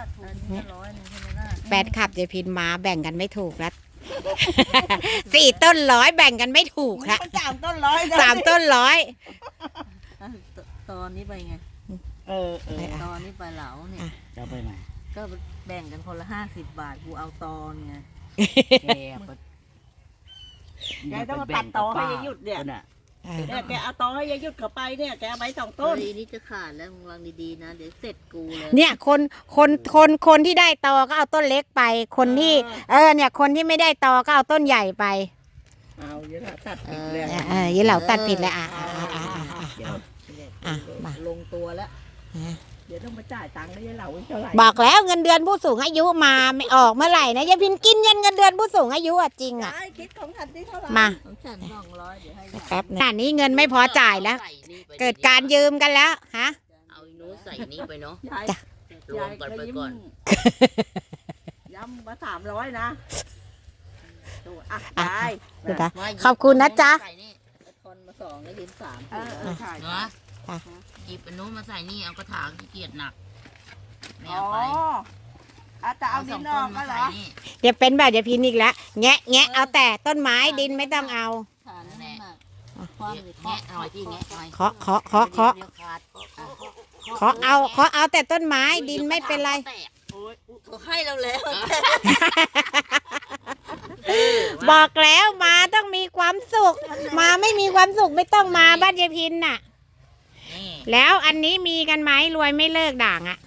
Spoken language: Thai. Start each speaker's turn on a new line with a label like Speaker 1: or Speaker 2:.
Speaker 1: อันนี้100นึงใช่ไหมล่ะ
Speaker 2: แฟนคลับยายพินมาแบ่งกันไม่ถูกแล้ว 4 ต้น100แบ่งกันไม่ถูกละ
Speaker 3: มัน3 ต้น 100นะ
Speaker 2: 3 ต้น100
Speaker 1: อ่ะตอนนี้ไปไง ตอนนี้ไปเหลาเนี่ย
Speaker 3: จะไปไหน
Speaker 1: ก็แบ่งกันคนละ50 บาทกูเอาตอนไง
Speaker 3: แกต้องมาตัดตอให้ยายหยุดเนี่ยแกเอาตอให้ยายหยุดเข้าไปเนี่ยแกเอาไป2 ต้น
Speaker 1: ทีนี้จะขาดแล้วมึงวางดีๆนะเดี๋ยวเสร็จกูเลย
Speaker 2: เนี่ยคนที่ได้ตอก็เอาต้นเล็กไป คนที่เนี่ยคนที่ไม่ได้ตอก็เอาต้นใหญ่ไป
Speaker 3: เอาเยอะละตัดผิดเลย
Speaker 2: ยี่เหล่าตัดผิดแล้วมา
Speaker 1: ลงตัวแล้ว
Speaker 3: เดี๋ยวต้องมาจ่ายตังค์ได้ยังเหล่าเท่าไหร่
Speaker 2: บอกแล้วเงินเดือนผู้สูงอายุมาไม่ออกเมื่อไหร่นะยายพินกินเงินเดือนผู้สูงอายุจริง
Speaker 3: ได้คิดของทันที่เท่าไหร่
Speaker 2: มา
Speaker 1: ของฉัน200เดี๋ยวให้
Speaker 2: แป๊บนะนี้เงินไม่พอจ่ายแล้ว เกิดการยืมกันแล้วฮะ
Speaker 4: เอาอีนู้นใส่นี่ไปเนาะ
Speaker 3: ยาย
Speaker 2: จ้ะ
Speaker 4: รวมกันไปก่อน
Speaker 3: ย้ำมา300นะดูอ่ะยาย
Speaker 2: เดี๋ยวนะขอบคุณนะจ๊ะ
Speaker 4: ใส่นี่
Speaker 1: คนมา2แล้วยืน3
Speaker 3: ใช่
Speaker 4: เนาะ
Speaker 2: ค่ะ
Speaker 4: หยิบอันนู้นมาใส่นี่เอากระถางขี้เกียจหนักไม่
Speaker 3: อ๋อ
Speaker 4: เอาไป
Speaker 3: อาจจะเอาดิ
Speaker 4: สอน ง
Speaker 3: อ
Speaker 4: ต้
Speaker 3: อน ก
Speaker 4: มา
Speaker 3: ก็เหร
Speaker 4: ใส่
Speaker 3: อ
Speaker 4: นี่
Speaker 2: เดี๋ยวเป็นแบบยายพินอีกแล้วแงะเอาแต่ต้นไม้ดินไม่ต้องเอา
Speaker 1: ฐานนั่นน่ะความหรือ
Speaker 4: แงะหน่อยที่แงะหน่อย
Speaker 2: เคาะ
Speaker 4: เดี๋ยวขาด
Speaker 2: เคาะเอาแต่ต้นไม้ดินไม่เป็นไร
Speaker 4: แตก
Speaker 3: โอ้ย
Speaker 1: เขาให้เราแล้ว
Speaker 2: บอกแล้วมาต้องมีความสุข มาไม่มีความสุขไม่ต้องมาบ้านยายพินน่ะ
Speaker 4: นี่
Speaker 2: แล้วอันนี้มีกันไหมรวยไม่เลิกด่างอ่ะ